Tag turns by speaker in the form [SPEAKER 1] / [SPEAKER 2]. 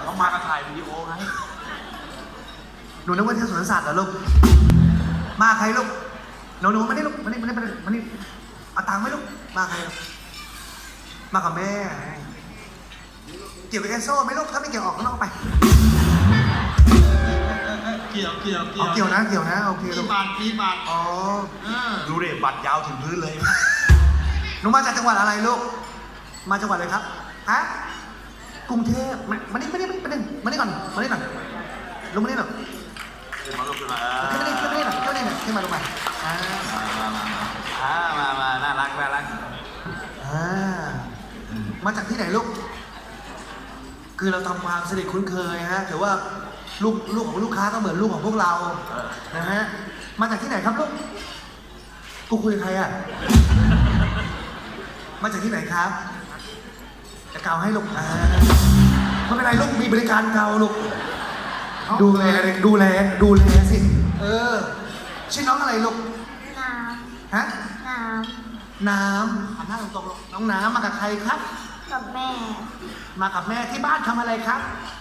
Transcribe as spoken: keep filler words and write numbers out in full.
[SPEAKER 1] เขามาถ่ายวิดีโอไง
[SPEAKER 2] หนูนึกว่าเที่ยวสวนสัตว์เหรอลูกมาใครลูกหนูหนูมานี่ลูกมานี่มานี่มานี่มานี่เอาตังค์ไหมลูกมาใครลูกมากับแม่เกี่ยวกับแอนโซ่ไหมลูกถ้าไม่เกี่ยวออกข้างนอกไป
[SPEAKER 1] เกี่ยวเกี่ยวเกี่
[SPEAKER 2] เอา
[SPEAKER 1] ยว
[SPEAKER 2] เกี่ยวนะเกี่ยวนะโอเค
[SPEAKER 1] มี
[SPEAKER 2] ลูก
[SPEAKER 1] บาทมีบาท
[SPEAKER 2] อ๋อ
[SPEAKER 1] เออ
[SPEAKER 3] ดูดิบัตรยาวถึงพื้นเลย
[SPEAKER 2] หนูมาจากจังหวัดอะไรลูกมาจังหวัดอะไรครับฮะกรุงเทพมามานี่มานี่มานี่มานี่ก่อนมานี่ก่อนลงมานี่หน่อย
[SPEAKER 3] ขึ้นมาลูกขึ้นมา
[SPEAKER 2] ขึ้นมานี่ขึ้นมานี่หน่อยขึ้นมานี่หน่อยขึ้นมาลงมาอ่า
[SPEAKER 3] อ่ามามาน่ารักน่ารัก
[SPEAKER 2] อ่ามาจากที่ไหนลูกคือเราทำความสนิทคุ้นเคยฮะถือว่าลูกลูกของลูกค้าก็เหมือนลูกของพวกเรานะฮะมาจากที่ไหนครับลูกกูคุยกับใครอ่ะมาจากที่ไหนครับจะเกาให้ลูกอ่าไม่เป็นไรลูกมีบริการเกาลูกดูแลดูแลดูแลสิเออชื่อน้องอะไรลูก
[SPEAKER 4] น้
[SPEAKER 2] ฮะ
[SPEAKER 4] ำ น้
[SPEAKER 2] น้ำหันหน้าตรงๆลูกน้องน้ำมากับใครครับ
[SPEAKER 4] ำ กับแม่
[SPEAKER 2] มากับแม่ที่บ้านทำอะไรครับ
[SPEAKER 4] ท